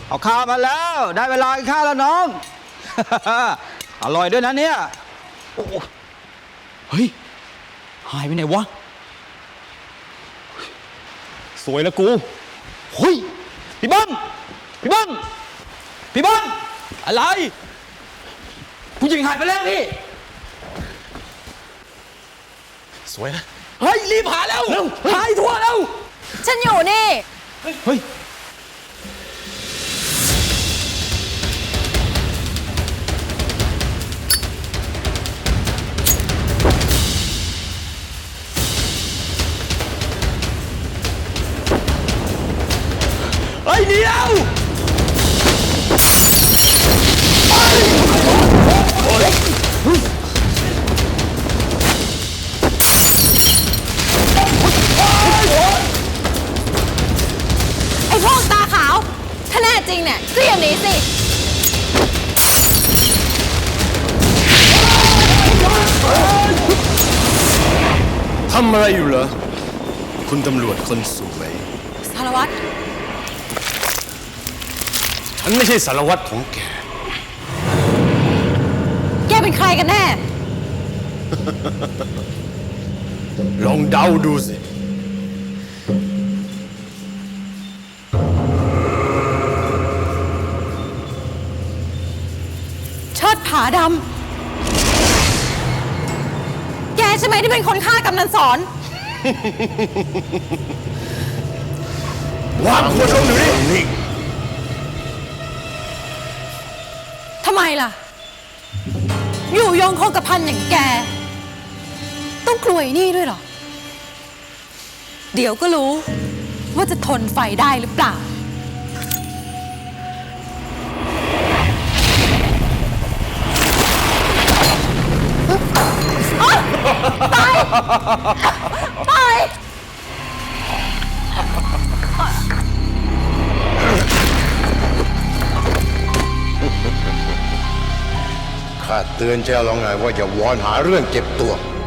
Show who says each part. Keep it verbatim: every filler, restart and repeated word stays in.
Speaker 1: เอาข้าวมาแล้วได้เวลากินข้าวแล้วน้อง อร่อยด้วยนะเนี่ยโอ้เฮ้ยหายไปไหนวะสวยแล้วกูเฮ้ยพี่เบิ้มพี่เบิ้มพี่เบิ้มอะไรผู้หญิงหายไปแล้วพี่สวยนะเฮ้ยรีบหาแล้วเร็วหายทั่วแล้ว
Speaker 2: ฉันอยู่นี่
Speaker 1: เฮ้ยเฮ้ยเดี๋ยว
Speaker 2: ไอ้พวกตาขาวถ้าแน่จริงเนี่ยก็อย่างนี้สิ
Speaker 3: ทำอะไรอยู่เหรอคุณตำรวจคนสวย
Speaker 2: สารวัตร
Speaker 3: ฉันไม่ใช่สารวัตรของแก
Speaker 2: แกเป็นใครกันแน่
Speaker 3: ลองเดาดูสิ
Speaker 2: เชิดผาดำแกใช่ไหมที่เป็นคนฆ่ากำนันสอน
Speaker 3: วางขวดลงอยู่นี่
Speaker 2: ทำไมล่ะอยู่ยงคงกระพันอย่างแกต้องกลัวไอ้นี่ด้วยเหรอเดี๋ยวก็รู้ว่าจะทนไฟได้หรือเปล่าไปไป
Speaker 4: ข้าเตือนเจ้าแล้วไงว่าอย่าวอนหาเรื่องเจ็บตัว